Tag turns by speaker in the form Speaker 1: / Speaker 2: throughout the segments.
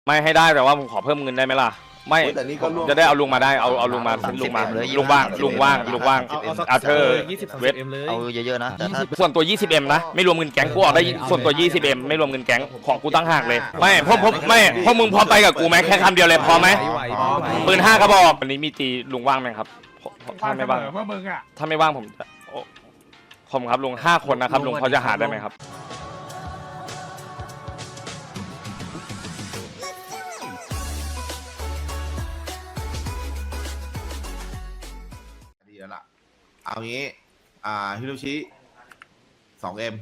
Speaker 1: ไม่ให้ได้แต่ว่าผมขอเพิ่มเงินได้ไหมล่ะไม่จะได้เอาลุงมาได้เอาลุงมาลุงมาลุงว่างอาเธอร์เวท
Speaker 2: เอาเยอะๆนะแต่ถ้า
Speaker 1: ส่วนตัว 20M นะไม่รวมเงินแก๊งกูออกได้ส่วนตัว 20M ไม่รวมเงินแก๊งของกูตั้งหากเลยไม่พวกมึงพอไปกับกูไหมแค่คำเดียวเลยพอไหมปืน5 กระบอกวันนี้มีตีลุงว่างไหมครับถ้าไม่ว่างถ้าไม่ว่างผมครับลุง5 คนนะครับลุงพอจะหาได้ไหมครับ
Speaker 3: ดีแล้วล่ะเอางี้ฮิโรชิ 2M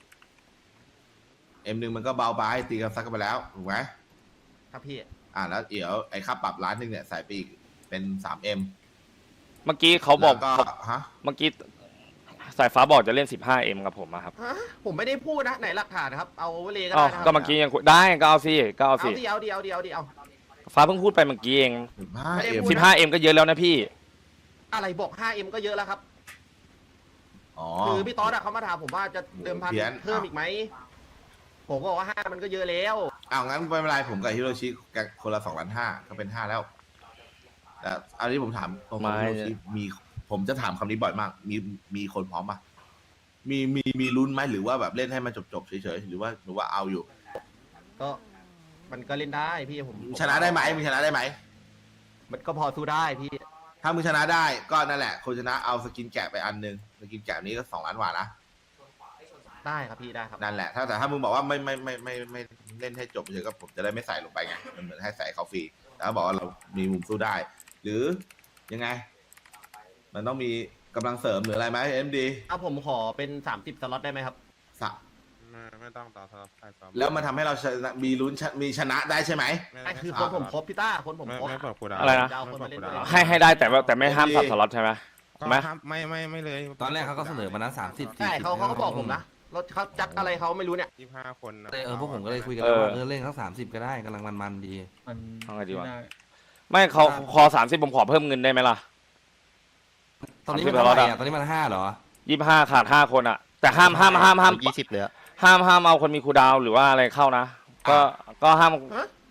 Speaker 3: M1มันก็เบาไปตีกันซักกันไปแล้วถูกไหม
Speaker 4: ครับพี่
Speaker 3: แล้วเดี๋ยวไอ้ค่าปรับ1,000,000เนี่ยใส่ไปอีกเป็น 3M
Speaker 1: เมื่อกี้เขาบอก
Speaker 3: ฮะ
Speaker 1: เมื่อกี้สายฟ้าบอกจะเล่น 15M กับผมครับ
Speaker 4: ผมไม่ได้พูดนะไหนหลักฐานครับเอาเวเลก็
Speaker 1: ได้
Speaker 4: ได้
Speaker 1: ก็เมื่อกี้ยังได้ก็เอาสิ
Speaker 4: เอา
Speaker 1: ฟ้าเพิ่งพูดไปเมื่อกี้เอง
Speaker 3: 15M
Speaker 1: ก็เยอะแล้วนะพี่
Speaker 4: อะไรบอก 5M ก็เยอะแล้วครับคือพี่ต๊อดเขามาถามผมว่าจะเดิมพันเพิ่มอีกไหมผมบอกว่า5มันก็เยอะแล้ว
Speaker 3: งั้นไม่เป็นไรผมกับฮิโรชิคนละ2,500,000ก็เป็น5แล้วแต่อันนี้ผมถามฮิโรชิผมจะถามคำนี้บ่อยมากมีคนพร้อมป่ะมีลุ้นไหมหรือว่าแบบเล่นให้มันจบเฉยๆหรือว่าเอาอยู่
Speaker 4: ก็มันก็เล่นได้พี่ผม
Speaker 3: ชนะได้ไหมมึงชนะได้ไหม
Speaker 4: มันก็พอสู้ได้พี่
Speaker 3: ถ้ามึงชนะได้ก็นั่นแหละคนชนะเอาสกินแกะไปอันนึงสกินแกะนี้ก็2 ล้านกว่านะ
Speaker 4: ได้ครับพี่ได้ครับ
Speaker 3: นั่นแหละแต่ถ้ามึงบอกว่าไม่เล่นให้จบเฉยก็ผมจะได้ไม่ใส่ลงไปไงมันเหมือนให้ใส่เขาฟรีแต่ถ้าบอกว่าเรามีมุมสู้ได้ หรือยังไงมันต้องมีกำลังเสริมหรืออะไรไหมMD
Speaker 4: ผมขอเป็น30 สล็อตได้ไหมครับ
Speaker 5: ไม่ต้องต่อสล็อต
Speaker 3: แล้วมันทำให้เรามีลุ้นมีชนะได้ใช่ไหม
Speaker 4: คือคนผมครบพี่ต้าคนผมครบ
Speaker 1: อะไรนะให้ได้แต่ไม่ห้ามสับสล็อตใช่ไหม
Speaker 5: ไม่เลย
Speaker 6: ตอนแรกเขาก็เสนอมานะ30
Speaker 4: ใช่เขาก็บอกผมนะรถเขาจัดอะไรเขาไม่รู้เนี่ย
Speaker 5: 25 คน
Speaker 6: พวกผมก็เลยคุยกันว่าเล่นทั้ง30ก็ได้กำลังมันดี
Speaker 1: เอาไงดีวะไม่เขาคอ30ผมขอเพิ่มเงินได้ไหมล่ะ
Speaker 6: ตอนนี้มันเท่าไหร่ตอนนี้มัน5เหรอ
Speaker 1: 25ขาด5 คนอ่ะแต่ห้าม
Speaker 2: 20เลย
Speaker 1: ห้ามเอาคนมีคูดาวหรือว่าอะไรเข้านะก็ห้าม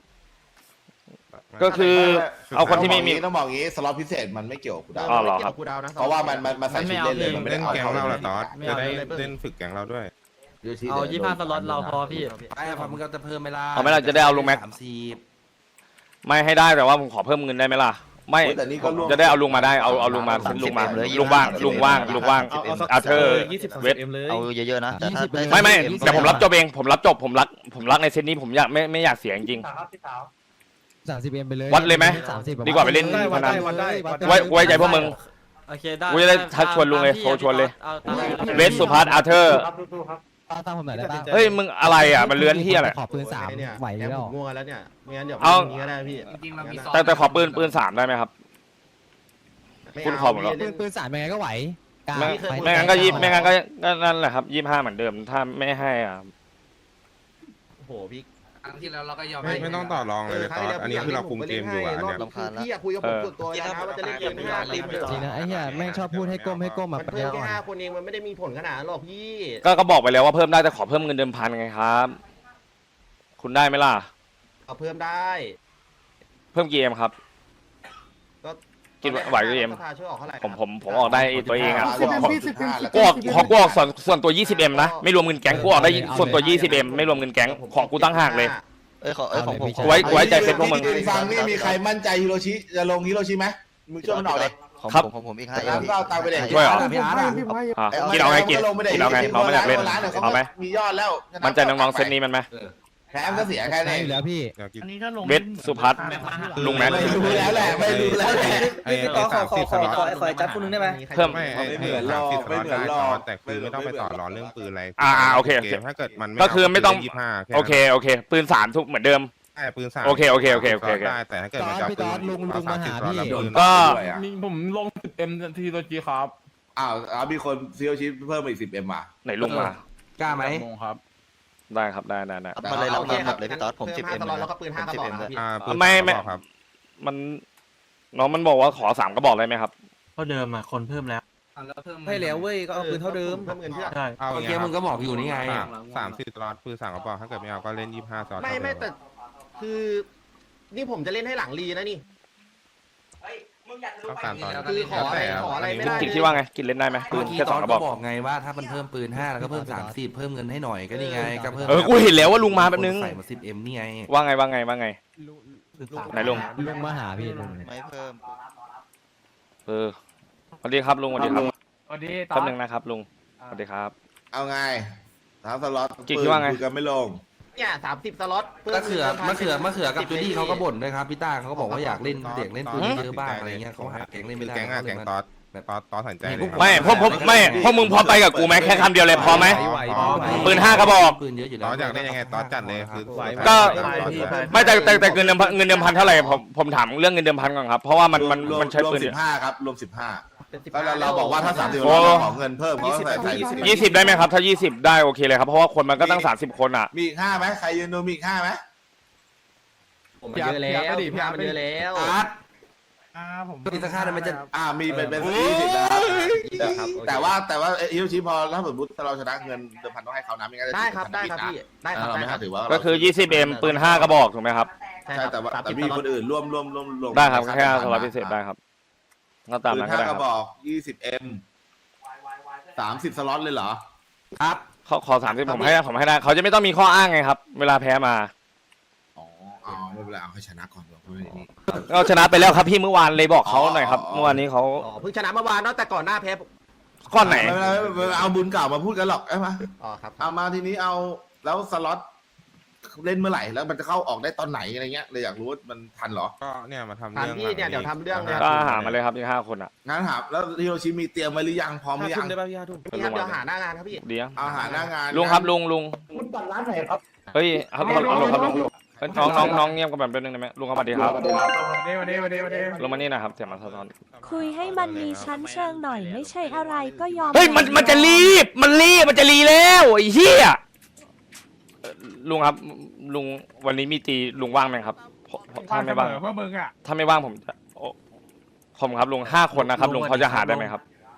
Speaker 1: ก็คือเอาคนที่ไม่มี
Speaker 3: ต้องบอกงี้สล็อตพิเศษมันไม่เกี่ยวกับคูดาว
Speaker 1: หรอครับ
Speaker 3: เพราะว่ามันใส่ชุดเล่นเลยมันไม่ได้
Speaker 5: แกงเราละตอสจะได้เล่นฝึกแกงเราด้วย
Speaker 4: เอา25 สล็อตเราพอพี่
Speaker 6: พอมึงก็จะเพิ่มไม่ล่ะ
Speaker 1: เอาไม่ล่ะจะได้เอาลุงแม็กไม่ให้ได้แต่ว่าผมขอเพิ่มเงินได้ไหมล่ะไม่จะได้เอาลุงมาได้เอาลุงมาลุงว่างอาเธอร์เวท
Speaker 2: เอาเยอะๆนะแต่ถ้า
Speaker 1: ไม่แต่ผมรับจบเองผมรักในเซตนี้ผมไม่อยากเสียจริง
Speaker 7: 30M ไปเลย
Speaker 1: วัดเลยไหมดีกว่าไปเล่นพนันไว้ใจพวกมึงกูจะได้ทักชวนลุงเลยโทรชวนเลยเวสสุพัฒน์อาเธอร์
Speaker 7: ตั้งผมหน่อยได้ป่ะ
Speaker 1: เฮ้ยมึงอะไรอ่ะมันเลื้อนที่อะไร
Speaker 7: ขอปืน3ไหวแล้ว
Speaker 4: ง่วงแล้วเนี่ยไม่งั้นเดี๋ยวมีก็ได้พี่
Speaker 1: แต่ขอปืน3ได้ไหมครับคุณขอหมดแล้ว
Speaker 7: ปืน3ยังไงก็ไหว
Speaker 1: ไม่งั้นก็นั่นแหละครับ25เหมือนเดิมถ้าไม่ให้อ่ะ
Speaker 4: โอ้โหพี่
Speaker 5: ครั้งที่แล้วเราก็ยอมไม่ต้องต่อรองเลยตอนอันนี้คือเราคุมเกมอยู่อันนี้
Speaker 4: พี่อยากคุยกับผมส่วนตัวนะว่าจะเล่นเกม5
Speaker 7: จริงนะไอ้เหี้ยแม่งชอบพูดให้ก้มมา
Speaker 4: เพิ่มแค่5 คนเองมันไม่ได้มีผลขนาดหรอกพี่
Speaker 1: ก็บอกไปแล้วว่าเพิ่มได้แต่ขอเพิ่มเงินเดิมพันไงครับคุณได้ไหมล่ะ
Speaker 4: เอาเพิ่มได้
Speaker 1: เพิ่มเกมครับกินไหวก็เกมผมออกได้ตัวเองอ่ะกูออกส่วนตัว 20M นะไม่รวมเงินแก๊งกูออกได้ส่วนตัว 20M ไม่รวมเงินแก๊งของกูตั้งหากเลย
Speaker 2: ของผม
Speaker 1: ไว้ใจเซ็ตพวกมึง
Speaker 3: ฟังนี่มีใครมั่นใจฮิโรชิจะลงฮิโรชิไหมมึงช่วยมันออกเลย
Speaker 2: ครับผมอีก5M
Speaker 3: ก็เอาตังไปเด็ก
Speaker 1: ช่วยเหรอกินเอาไงกินเอาไงน้องไม่อยากเล่นเอาไหม
Speaker 3: มียอดแล้ว
Speaker 1: มันใจน้องๆเซตนี้มันไหม
Speaker 3: แพ้ก็เสียแค่นี้
Speaker 7: อยู่แล้วพี่
Speaker 1: อันนี้ถ้าลงเวทสุพัฒน์ลุงแม็ก
Speaker 3: ไม่รู้แล้วแหละ
Speaker 5: พี่ต่อ
Speaker 4: ขอจัดคนนึงได้ไหม
Speaker 1: เพิ่ม
Speaker 3: ไม่เหมือนรอ
Speaker 5: แต่คือไม่ต้องไปต่อรอเรื่องปืนอะไร
Speaker 1: โอเค
Speaker 5: ถ้าเกิดมัน
Speaker 1: ก็คือไม่ต้องโอเคปืน3ทุกเหมือนเดิม
Speaker 5: ปืน3
Speaker 1: โอเค
Speaker 5: ได้แต่ถ้าเกิดมันจะปืน
Speaker 7: ลุงมาหาพี่
Speaker 1: ก็
Speaker 6: ผมลง 10M ทีตัวจีครับ
Speaker 3: มีคนซิโอชิเพิ่มอีก10M มา
Speaker 1: ไหนลุงมาก
Speaker 6: ล้าไหม
Speaker 1: ครับได้ครับได้
Speaker 2: มาเลยรับหมดเลยพี่ต๊อดผม 10M
Speaker 4: แล้วก็ปืน5 กระบอก
Speaker 1: ไม่มันน้องมันบอกว่าขอ3 กระบอกได้ไหมครับ
Speaker 6: เท่าเดิมคนเพิ่มแล้ว
Speaker 7: ให้แล้วเว้ยก็เอาปืนเท่าเดิม
Speaker 4: เพิ่มเงินเพื่อ
Speaker 6: ใช่เมื่อกี้มึงก็บอกอยู่นี่ไง
Speaker 5: 30 ตลอดปืน3 กระบอกถ้าเกิดไม่เอาก็เล่น25 ตลอด
Speaker 4: ไม่แต่คือนี่ผมจะเล่นให้หลังรีนะนี่
Speaker 5: ต้องการตอน
Speaker 4: คือขออะไรไม่ได้
Speaker 1: กินคิดว่าไงกินเล่นได้ไหมปื
Speaker 6: เมื่อน กี้
Speaker 1: แค่
Speaker 6: ต
Speaker 1: ส
Speaker 6: อ
Speaker 1: อง
Speaker 6: น
Speaker 1: กระบ
Speaker 6: ก็
Speaker 1: อก
Speaker 6: บอกไงว่าถ้ามันเพิ่มปืน5แล้วก็เพิ่ม30เพิ่มเงินให้หน่อยก็นี่ไงก็เพิ่ม
Speaker 1: กูเห็นแล้วว่าลุงมาแป๊บนึง
Speaker 6: ใส่มา 10M นี่ไง
Speaker 1: ว่าไงไหนลุง
Speaker 7: ลุงมาหาพี่ลุง
Speaker 2: ไม่เพิ่ม
Speaker 1: สวัสดีครับลุงสวัสดีครับ
Speaker 8: สวัสดี
Speaker 1: แป๊บนึงนะครับลุงสวัสดีครับ
Speaker 3: เอาไง3 สล็อต
Speaker 1: กิ๊กคิดว่าไง
Speaker 3: คุยกันไม่ลง
Speaker 4: เนี่ย30 สล็อต
Speaker 6: มะเขือกับจูดี้เขาก็บ่นด้วยครับพี่ต้าเขาก็บอกว่าอยากเล่นเด็กเล่นปืนเยอะบ้างอะไรเงี้ยเขาหาแก๊งเล่น
Speaker 5: คื
Speaker 6: ไม่
Speaker 5: อ
Speaker 6: ได้
Speaker 5: แก๊งอะแก๊งตอสสนใจเลย
Speaker 1: ไม่พวกมึงพอไปกับกูไหมแค่คำเดียวเลยพอไหมปืน5กระบอก
Speaker 6: ปืนเยอะอยู่
Speaker 5: ต
Speaker 6: แล้ว
Speaker 5: อสอยากเล่นยังไงตอสจัดเลยคือ
Speaker 1: ก็
Speaker 5: ไม่
Speaker 1: แต่เงินเดิมพันเท่าไหร่ผมถามเรื่องเงินเดิมพันก่อนครับเพราะว่ามันใช้ปืน
Speaker 3: รวม15ครับรวม15แล้วเราบอกว่าถ้า30
Speaker 1: โอ้
Speaker 3: เราขอเงินเพิ่มเขาก็ใส่
Speaker 1: 20ได้ไหมครับถ้า20ได้โอเคเลยครับเพราะว่าคนมันก็ตั้ง30คนอ่ะ
Speaker 3: มีอีก5ไหมใครยืนดูมีอีก5ไหม
Speaker 4: ผมเยอะแล้วพี่มันเยอะแล้ว
Speaker 6: อาร์ต
Speaker 8: ผม
Speaker 6: ตีสัก5ได้ไหมจะ
Speaker 3: มีเป็น20นะครับแต่ว่าฮิโรชิพอถ้าสมมติเราชนะเงินเดิมพันต้องให้เขานะไม่งั้นจะ
Speaker 4: ได้ครับพี่ได้ครับ
Speaker 3: เรา
Speaker 4: ได้
Speaker 3: ไม่
Speaker 4: ครั
Speaker 3: ให้
Speaker 4: บ
Speaker 3: ถือว่า
Speaker 1: ก็คือ 20M ปืน5กระบอกถูกไหมครับ
Speaker 4: ใช่
Speaker 3: ใช่
Speaker 4: ครับ
Speaker 3: แต่มีคนอื่นร่วม
Speaker 1: ได้ครับแค่สล็อตพิเศษได้ครับก็ตาม
Speaker 3: ปืน
Speaker 1: นั้นก็ได้
Speaker 3: 5
Speaker 1: ค
Speaker 3: ก
Speaker 1: รับ
Speaker 3: ระบอก 20M 30 สล็อตเลยเหรอ
Speaker 6: ครับ
Speaker 1: เขาขอ30ผมให้ได้เขาจะไม่ต้องมีข้ออ้างไงครับเวลาแพ้มา
Speaker 3: อ๋อไม่เป็นไรเอาให้ชนะก่อนดีกว่าเพราะว่านี่
Speaker 1: ก็ชนะไปแล้วครับพี่เมื่อวานเลยบอกเขาหน่อยครับเมื่อวานนี้เขา
Speaker 4: อ๋อเพิ่งชนะเมื่อวานเนาะแต่ก่อนหน้าแพ้
Speaker 1: ก้อนไหน
Speaker 3: ไม่เป็นไรเอาบุญเก่ามาพูดกันหรอกใช่ไหม
Speaker 4: อ๋อครับ
Speaker 3: เอามาทีนี้เอาแล้วสล็อตเล่นเมื่อไหร่แล้วมันจะเข้าออกได้ตอนไหนอะไรเงี้ยเลยอยากรู้ว่ามันทันเหรอ
Speaker 5: ก็เนี่ยมาทำ
Speaker 4: ถาม
Speaker 5: เรื่อง
Speaker 4: พี่เนี่ยเดี๋ยวทำเรื่องเลย
Speaker 1: ก็หามาเลยครับที่5คนอ่ะ
Speaker 3: งั้นถามแล้วฮิโรชิมีเตรียมไว้หรือยังพร้อมหรือยัง
Speaker 4: พี่ครับเดี๋ยวหาหน้างานครับพี่
Speaker 1: ดี
Speaker 3: เอาหาหน้างาน
Speaker 1: ลุงครับลุงเฮ้ยครับน้องเงียบกันแบบนึงได้ไหมลุงครับสวัสดีครับ
Speaker 8: วันนี้
Speaker 1: ลงมานี่นะครับเสียงมาสะท้อน
Speaker 9: คุยให้มันมีชั้นเชิงหน่อยไม่ใช่อะไรก็ยอม
Speaker 1: เฮ้ยมันจะรีบมันจะรีแล้วไอ้เหี้ยลุงครับลุงวันนี้มีตีลุงว่างไหมครับถ้าไม่ว่าง
Speaker 8: เพื่อมึงอ่ะ
Speaker 1: ถ้าไม่ว่างผมครับลุง5 คนนะครับลุงเขาจะหาได้ไหมครับ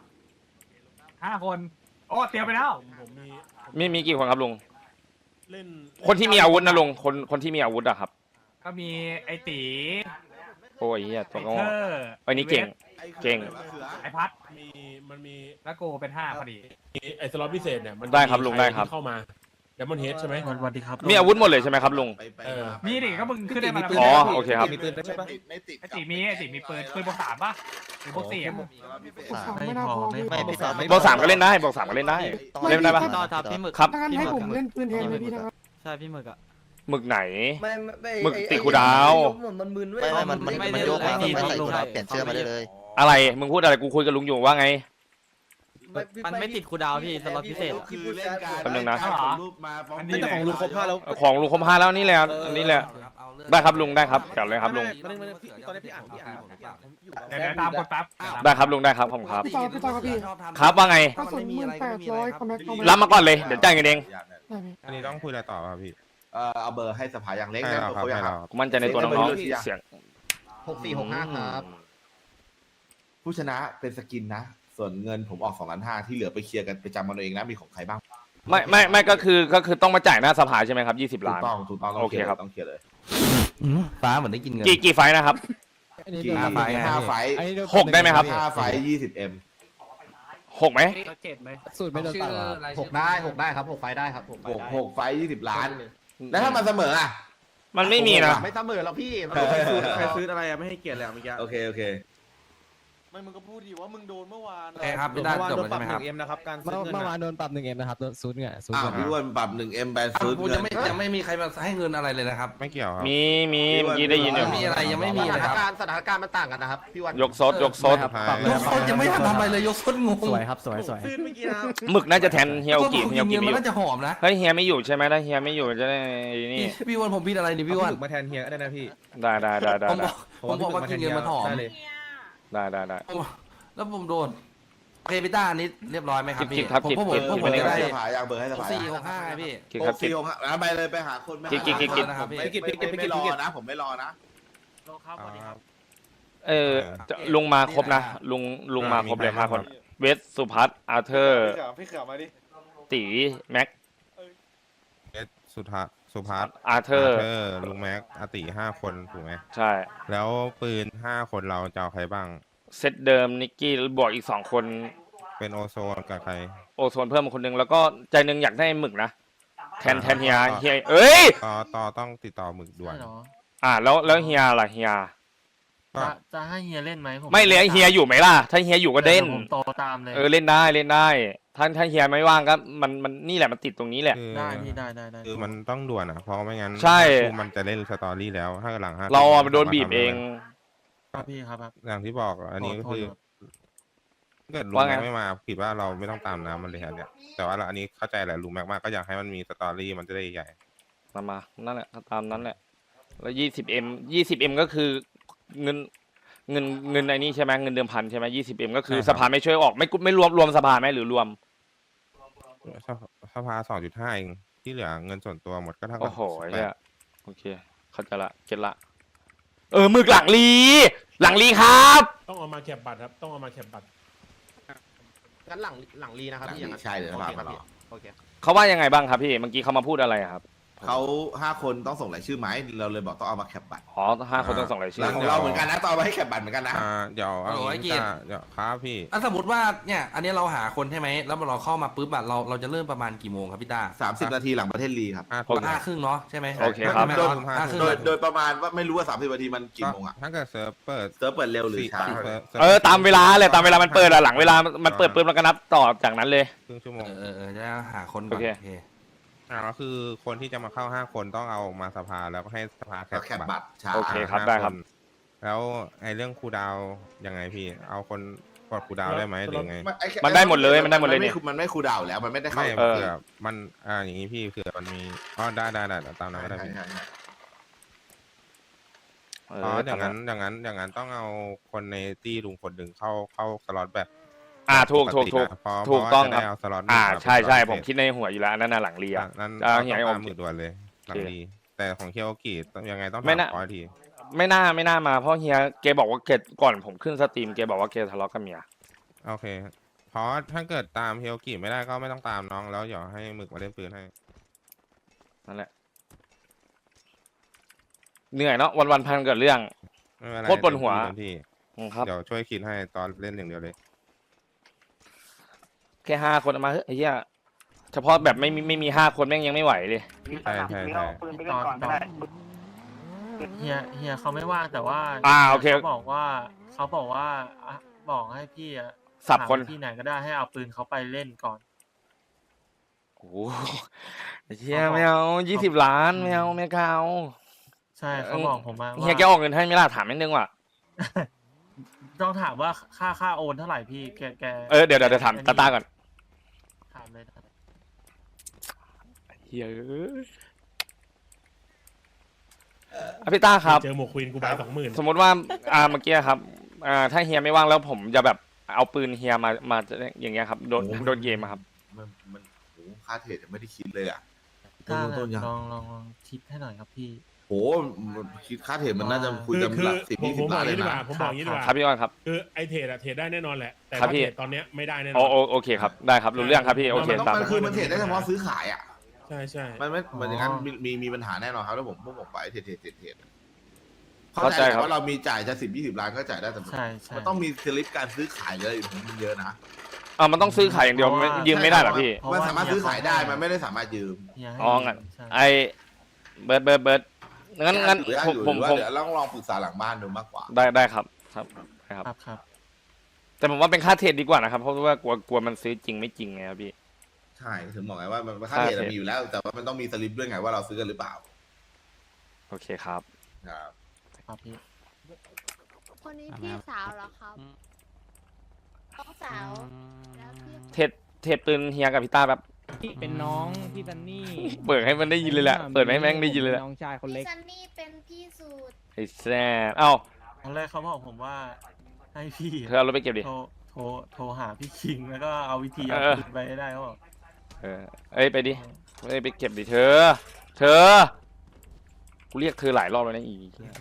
Speaker 8: 5 คนโอ้เตรียมไปแล้ว
Speaker 1: มีกี่คนครับลุงคนที่มีอาวุธนะลุงคนที่มีอาวุธอะครับ
Speaker 8: ก็มีไอตี
Speaker 1: โอ้ยเหี้ยตัว
Speaker 8: ไอ
Speaker 1: โง่
Speaker 8: เธอ
Speaker 1: ไอ้นี่เก่ง เก่ง
Speaker 8: ไอพัด
Speaker 10: มันมี
Speaker 8: แล้วกูเป็น5พอดี
Speaker 10: ไอ้สล็อตพิเศษเนี่ยมัน
Speaker 1: ได้ครับลุงได้ครับ
Speaker 10: เข้ามาเดมอนเฮดใช่ไหม
Speaker 8: สวัสดีครับ
Speaker 1: มีอาวุธหมดเลยใช่ไหมครับลุง
Speaker 8: มีดิก็มึงขึ้นได้มาแล้ว
Speaker 1: อ๋อโอเคครับ
Speaker 3: มีปืนใช่ปะไม่ติด
Speaker 8: ไอตีมีปืนบวก3ป่ะหรือบวก4
Speaker 2: ไม่พอไม่พี่ตอน
Speaker 1: บอก3ก็เล่นได้บอก3ก็เล่นได้เล่นได้ปะ
Speaker 2: พี่หมึก
Speaker 1: ครับ
Speaker 11: ให้ผมเล่นปืนแทนเลยพี่นะครับ
Speaker 2: ใช่พี่หมึกอ่ะ
Speaker 1: หมึกไหน
Speaker 11: ไม่
Speaker 1: หมึกติดคูดาว
Speaker 11: มันมึนเว้ย
Speaker 2: มันโยกมาไม่ใส่ตัวเปลี่ยนเสื้อมาได้เลย
Speaker 1: อะไรมึงพูดอะไรกูคุยกับลุงอยู่ว่าไง
Speaker 11: มันไม่ติดคูดาวพี่สล็อตพิเศษ
Speaker 3: คือเล่นการ
Speaker 1: แป๊บนึงนะ
Speaker 3: ส่งรูปมาฟ้อง
Speaker 8: อันนี้แต่ของลุงครบ5แล้ว
Speaker 1: ของลุงครบ5แล้วนี่แหละอันนี้แหละได้ครับลุงได้ครับกลับเลยครับลุง
Speaker 8: เดี๋ยวตามกดแป๊บ
Speaker 1: ได้ครับลุงได้ครับผมครับ
Speaker 11: พี่ต่อครับพี่
Speaker 1: ครับว่าไง
Speaker 11: กระสุน1800คอมแม็กคอมแม็ก
Speaker 1: รับมาก่อนเลยเดี๋ยวจ่ายเงินเอง
Speaker 5: อันนี้ต้องคุยอะไรต่อป่ะพี่
Speaker 3: เอาเบอร์ให้สภาอย่างเล็ก
Speaker 5: ให้
Speaker 3: นะ
Speaker 5: เราครับ
Speaker 3: เขาอยา
Speaker 5: ให้
Speaker 3: ก
Speaker 5: เรา
Speaker 1: กูมั่นใจในตัวน้องๆเสียง
Speaker 4: 6465ครับ
Speaker 3: ผู้ชนะเป็นสกินนะ ส่วนเงินผมออก2.5 ล้านที่เหลือไปเคลียร์กันไปจำมันเองนะมีของใครบ้าง
Speaker 1: ไม่ก็คือต้องมาจ่ายหน้าสภาใช่ไหมครับ20 ล้าน
Speaker 3: ถูกต้อง
Speaker 1: โอเคครับ
Speaker 3: ต้องเคลียร์เลย
Speaker 6: ฟ้าเหมือนได้กินเงิน
Speaker 1: กี่ไฟล์นะครับ
Speaker 3: 5 ไฟท์
Speaker 1: 6ได้ไหมครับ
Speaker 3: 5 ไฟท์ 20M
Speaker 1: 6ไหม
Speaker 7: สูตรไม่โดนตัดหรอ
Speaker 4: 6ได้ครับ6ไฟได้ครับ6ไฟได้
Speaker 3: 6 ไฟท์ 20 ล้าน แล้วถ้ามันเสมออ่ะ
Speaker 1: มันไม่มีนะ
Speaker 4: ไม่เสมอหรอกพี่
Speaker 7: ใครซื้ออะไรอะไม่ให้เกียรติเลยเมื่อกี้
Speaker 3: โอเค
Speaker 11: ไม่มึงก็พูดดิว่ามึงโดนเมื่อวาน
Speaker 6: โอเคครับพี่ต้าจบแล้วใช่ไหมครับ
Speaker 7: 1M นะครับการเมื่อวานโดนปรับ 1M นะครับซูดเงินซูด
Speaker 3: อ้าว
Speaker 7: เงิน
Speaker 3: พี่อ้วนปรับ 1M แบนซื้อ
Speaker 6: ผม
Speaker 3: เงิ
Speaker 6: ยัง
Speaker 3: น
Speaker 6: ไม่มีใครมาให้เงินอะไรเลยนะครับ
Speaker 5: ไม่เกี่ยวครับ
Speaker 1: มีเมื่อกี้ได้ยินอยู่
Speaker 6: ไม่มีอะไรยังไม่มี
Speaker 4: ส
Speaker 6: เลยครับ
Speaker 4: ถานการณ์มันต่างกันนะครับพี่วัน
Speaker 1: ยกซด
Speaker 6: ยกซดยังไม่ทันทำอะไรเลยยกซดงง
Speaker 7: สวยครับสวย
Speaker 11: เมื่อกี้นะ
Speaker 1: หมึกน่าจะแทนเฮียโอกิ
Speaker 6: เฮี
Speaker 1: เฮียโอกิ
Speaker 6: ย
Speaker 1: ไม่
Speaker 6: มัน
Speaker 1: อยู่
Speaker 6: น่าจะหอมนะ
Speaker 1: เฮ้ยเฮียไม่อยู่ใช่ไหมถ้าเฮียไม่อยู่จะได้นี่
Speaker 6: พี่วันผมพี่อะไรดิพี่วัน
Speaker 7: มาแทนเฮียได้นะพี่
Speaker 1: ได้
Speaker 6: ผมบอกว่ากินเงินมันหอม
Speaker 1: ได้
Speaker 6: แล้วผมโดนโอเคพี่ต้าอันนี้เรียบร้อยไหมครับ
Speaker 1: คิ
Speaker 6: พี่
Speaker 1: ดครับ
Speaker 6: ผม
Speaker 1: คิด
Speaker 6: ผม
Speaker 1: คิด
Speaker 6: ผม
Speaker 1: คิด
Speaker 6: จะได้
Speaker 3: สภาอยากเบอร์ให้สภา
Speaker 6: 465ไงพี่
Speaker 1: คิดครับคิด
Speaker 3: 6 4 6 5ไปเลยไปหาคนไม่
Speaker 1: กิ๊ก
Speaker 6: นะครับพี่
Speaker 3: ไม่รอนะผมไม่รอนะ
Speaker 1: ลุงมาครบนะลุงมาครบเลย5 คนเวสสุพัฒน์อาร์เธอร์
Speaker 11: พี่เขือมาดิ
Speaker 1: ตีแม็ก
Speaker 5: สุสุภัส
Speaker 1: อาเธอร์
Speaker 5: ลุงแม็กอาติ5 คนถูกไหม
Speaker 1: ใช่
Speaker 5: แล้วปืน5 คนเราจะเอาใครบ้าง
Speaker 1: เซตเดิมนิกกี้บวกอีก2 คน
Speaker 5: เป็นโอโซนกับใคร
Speaker 1: โอโซนเพิ่มมาคนนึงแล้วก็ใจหนึงอยากได้หมึกนะแทนเฮียเอ้ย
Speaker 5: ต่อต้องติดต่อหมึกด่วน
Speaker 1: แล้วเฮียล่ะเฮีย
Speaker 5: ก็
Speaker 11: จะให้เฮียเล่นไหมผม
Speaker 1: ไม่เลยเฮียอยู่ไหมล่ะถ้าเฮียอยู่ก็เล่น
Speaker 11: ผมโตตามเลย
Speaker 1: เล่นได้ถ้าเฮียไม่ว่างก็มันนี่แหละมันติดตรงนี้แหละ
Speaker 5: คือ
Speaker 11: ได้พี่ได้
Speaker 5: คือมันต้องด่วนอ่ะเพราะไม่งั้น
Speaker 1: ใช่
Speaker 5: มันจะเล่นสตอรี่แล้วถ้าหลัง5
Speaker 1: เราอะโดนบีบเอง
Speaker 11: ครับพี่ครับ
Speaker 5: อย่างที่บอกอันนี้ก็คือถ้าเกิดลุง
Speaker 1: ว่าไง
Speaker 5: แม็กไม่มาคิดว่าเราไม่ต้องตามน้ำมันเลยครับเนี่ยแต่ว่าอันนี้เข้าใจแหละลุงแม็กมากก็อยากให้มันมีสตอรี่มันจะได้ใหญ่
Speaker 1: มานั่นแหละตามนั้นแหละแล้ว20M ก็คือเงินไอ้นี่ใช่ไหมเงินเดิมพันใช่ไหม20M ก็คือ
Speaker 5: ใช่ครับ
Speaker 1: สภาไม่ช่วยออกไม่รวมสภาไหมหรือรวม
Speaker 5: สภา2.5 เองที่เหลือเงินส่วนตัวหมดก็เท่ากั
Speaker 1: โอ้โห
Speaker 5: 18
Speaker 1: เนี่ยโอเคเข้าใจละเก็ตละหมึกหลังลีครับ
Speaker 10: ต้องเอามาแคปบัตรครับต้องเอามาแคปบัตร
Speaker 4: งั้นหลังรีนะครับพี่อย่างนั้น
Speaker 3: ใช่เลยนะ
Speaker 4: โอ
Speaker 3: ค
Speaker 4: เค
Speaker 3: รับ
Speaker 4: พี่โอเค
Speaker 1: เขาว่ายังไงบ้างครับพี่เมื่อกี้เขามาพูดอะไรอะครับ
Speaker 3: เขา5 คนต้องส่งรายชื่อไหมเราเลยบอกต้องเอามาแคปบัตร
Speaker 1: อ๋อ5 คนต้องส่งรายชื่อ
Speaker 3: ของเราเหมือนกันนะต้องเอามาให้แคปบัตรเหมือนกันนะ
Speaker 5: เดี๋ยวเอา
Speaker 6: โอ้ย
Speaker 5: งี้
Speaker 6: เกียรติ
Speaker 5: เดี๋ยวครับพี่
Speaker 6: สมมติว่าเนี่ยอันนี้เราหาคนใช่ไหมแล้วเราเข้ามาปุ๊บอะเราจะเริ่มประมาณกี่โมงครับพี่ต้า
Speaker 3: 30 นาทีหลังประเทศลีครับ
Speaker 1: โอเค
Speaker 6: 5 ครึ่งเนาะใช่ไหม
Speaker 1: โอเคครับ
Speaker 6: โดยห้าครึ่ง
Speaker 3: โดยประมาณว่าไม่รู้ว่า30 นาทีมันกี่โมงอ่ะ
Speaker 5: ถ้าเกิดเซิร์ฟเปิด
Speaker 3: เซิร์ฟเปิดเร็วหรือช้า
Speaker 1: ตามเวลาเลยตามเวลามันเปิดอะหลังเวลามันเปิดปุ๊บแล้วก็นับต่อจากนั้นเลย
Speaker 5: ครึ่งชั่วโมง
Speaker 6: จะหาคนก่อน
Speaker 1: โอเค
Speaker 6: โอเค
Speaker 5: ก็คือคนที่จะมาเข้า5 คนต้องเอามาสภาแล้วก็ให้สภา
Speaker 3: แคปบัตรช้า
Speaker 1: โอเคครับ
Speaker 5: 5
Speaker 1: ได้ครับ
Speaker 5: นแล้วไอ้เรื่องครูดาวยังไงพี่ เอาคนกดครูดาวได้ไหมหรือไง
Speaker 1: มันได้หมดเลยเนี่ย
Speaker 3: มันไม่คูลดาวน์แล้วมันไม่ได้เข้า
Speaker 5: ไม่
Speaker 1: เออ
Speaker 5: เผื่อมันอย่างนี้พี่เผื่อมันมีได้ตามนั้นก็ได้พี่
Speaker 3: ใช่
Speaker 5: อย่างนั้นต้องเอาคนในตี้ลุงคนหนึ่งเข้าสล็อตแบบ
Speaker 1: ถูก
Speaker 5: ปตินะเพราะ
Speaker 1: ถูกต้อง
Speaker 5: ว่าจะ
Speaker 1: ครั
Speaker 5: ได้
Speaker 1: บ
Speaker 5: เอาสล็อต
Speaker 1: ใช่
Speaker 5: สล็อต
Speaker 1: ผมคิดในหัวอยู่แล้วอันนั้นน่ะหลังเรีย
Speaker 5: นั้น
Speaker 1: เฮีย
Speaker 5: ต้อง
Speaker 1: ให้อ
Speaker 5: ตาม
Speaker 1: ม
Speaker 5: มือด่วนเลยหลังดีแต่ของเคียวกิต้องยังไงต้อง
Speaker 1: ไม่
Speaker 5: ถาม
Speaker 1: น่า
Speaker 5: ขอที
Speaker 1: ไม่น่ามาเพราะเฮียแกบอกว่าแกก่อนผมขึ้นสตรีมแกบอกว่าแกทะเลาะกับเมีย
Speaker 5: โอเคเพราะถ้าเกิดตามเคียวกิไม่ได้ก็ไม่ต้องตามน้องแล้วเดี๋ยวให้หมึกมาเล่นปืนให้
Speaker 1: นั่นแหละเหนื่อยเนาะวันพันเกิดเรื่อง
Speaker 5: ไม่เป็นไร
Speaker 1: โคตรปวดหัว
Speaker 5: เต็มที่
Speaker 1: ครับ
Speaker 5: เดี๋ยวช่วยคิดให้ตอนเล่นอย่างเดียวเลย
Speaker 1: แค่5 คนเอามาเฮ้ยไอ้เหี้ยเฉพาะแบบไม่มี5 คนแม่งยังไม่ไหวเลย
Speaker 5: ใช่
Speaker 11: เฮียเขาไม่ว่างแต่ว่า
Speaker 1: โอเค
Speaker 11: เขาบอกว่าบอกให้พี่
Speaker 1: สับคน
Speaker 11: ที่ไหนก็ได้ให้เอาปืนเขาไปเล่นก่อน
Speaker 1: โอ้โหไอ้เหี้ยไม่เอา20 ล้านไม่เอาไม่เอา
Speaker 11: ใช่เขาบอกผมมา
Speaker 1: เฮียแกออกเงินให้ไหม่ล่ะถามนิดนึงว่ะ
Speaker 11: ต้องถามว่าค่าโอนเท่าไหร่พี่แก
Speaker 1: เดี๋ยวถามตาก่อน
Speaker 11: ถามเลย
Speaker 1: เฮียพี่ต้าครับ
Speaker 10: เจอหมวกควีนกูบาย20,000
Speaker 1: สมมติว่าเมื่อกี้ครับถ้าเฮียไม่ว่างแล้วผมจะแบบเอาปืนเฮียมาอย่างเงี้ยครับโดนเกมอะครับ
Speaker 3: มันโหค่าเทรดยังไม่ได้คิดเลยอ่ะ
Speaker 11: ต้นยังลองคิดให้หน่อยครับพี่
Speaker 3: โหคิดค่าเทรดมันน่าจะคุยกัน
Speaker 10: คือ
Speaker 3: หลัก
Speaker 10: ผม
Speaker 3: 10-20 ล้านเลยนะ
Speaker 10: ผมบอกอย่างนี้ดีกว่า
Speaker 1: ครับพี่อ้อนครับ
Speaker 10: คือไอเทรดอะเทรดได้แน่นอนแหละแต่
Speaker 1: ครับ
Speaker 10: ถ้า
Speaker 1: พี่
Speaker 10: เทรดตอนเนี้ยไม่ได้แน่นอน
Speaker 1: โอเคครับได้ครับรู้เรื่องครับพี่โอเค
Speaker 3: มัน
Speaker 1: ตาม
Speaker 3: คือมันเทรดได้เฉพาะซื้อขายอ่ะ
Speaker 10: ใช่
Speaker 3: มันไม่เหมือนอย่างนั้นมีปัญหาแน่นอนครับแล้วพวกผมไปเทรดเข้า
Speaker 1: เข้า
Speaker 3: ใจ
Speaker 1: ใจครับ
Speaker 3: ว่าเรามีจ่ายจะ10-20 ล้านก็จ่ายได้แต่
Speaker 11: ใช่
Speaker 3: มันต้องมีสลิปการซื้อขายเลยมันเยอะนะ
Speaker 1: มันต้องซื้อขายอย่างเดียวยืมไม่ได้หรอพี่
Speaker 3: มันสามารถซื้อขายได้มันไม่ได้สามารถยืม
Speaker 1: งั้นไอเบิร์ดงั้น
Speaker 3: หรือ
Speaker 1: ผม
Speaker 3: ว่าเดี๋ยวลองปรึกษาหลังบ้านดูมากกว่า
Speaker 1: ได้ครับแต่ผมว่าเป็นค่าเทรดดีกว่านะครับเพราะว่ากลัวมันซื้อจริงไม่จริงไงครับพี่
Speaker 3: ใช่ถึงบอกไงว่ามันค่าเทรดมีอยู่แล้ว แต่ว่ามันต้องมีสลิปด้วยไงว่าเราซื้อกันหรือเปล่า
Speaker 1: โอเคครับ
Speaker 11: ครับพี่
Speaker 9: คนนี้พี่สาวเหรอครับน้องสาวแล้วพี่
Speaker 1: เทรดปืนเฮียกับพี่ต้าแบบ
Speaker 7: เป็นน้องพี่ซันนี่
Speaker 1: เปิดให้มันได้ยินเลยแหละเปิดให้แม่งได้ยินเลยแหละ
Speaker 7: น้องชายคนเล็ก
Speaker 9: ซันนี่เป็นพี่สูตร
Speaker 1: ไอ้แซ่เอ้า
Speaker 11: ตอนแรกเขาบอกผมว่าให้พี่
Speaker 1: เธอเอารถไปเก็บดิ
Speaker 11: โทรหาพี่คิงแล้วก็เอาวิธีเอาปืนไปให้ได้เขาบอก
Speaker 1: ไปดิไปเก็บดิเธอกูเรียกเธอหลายรอบแล้วนะอี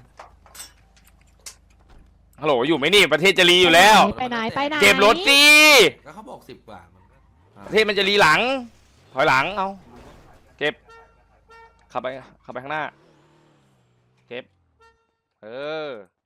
Speaker 1: ฮัลโหลอยู่ไหมนี่ประเทศจะรีอยู่แล้ว
Speaker 9: ไปไหน
Speaker 1: เก็บรถสิ
Speaker 6: แล้วเขาบอก10 กว่า
Speaker 1: ประเทศมันจะรีหลังถอยหลังเอาเก็บขับไปข้างหน้าเทปเออ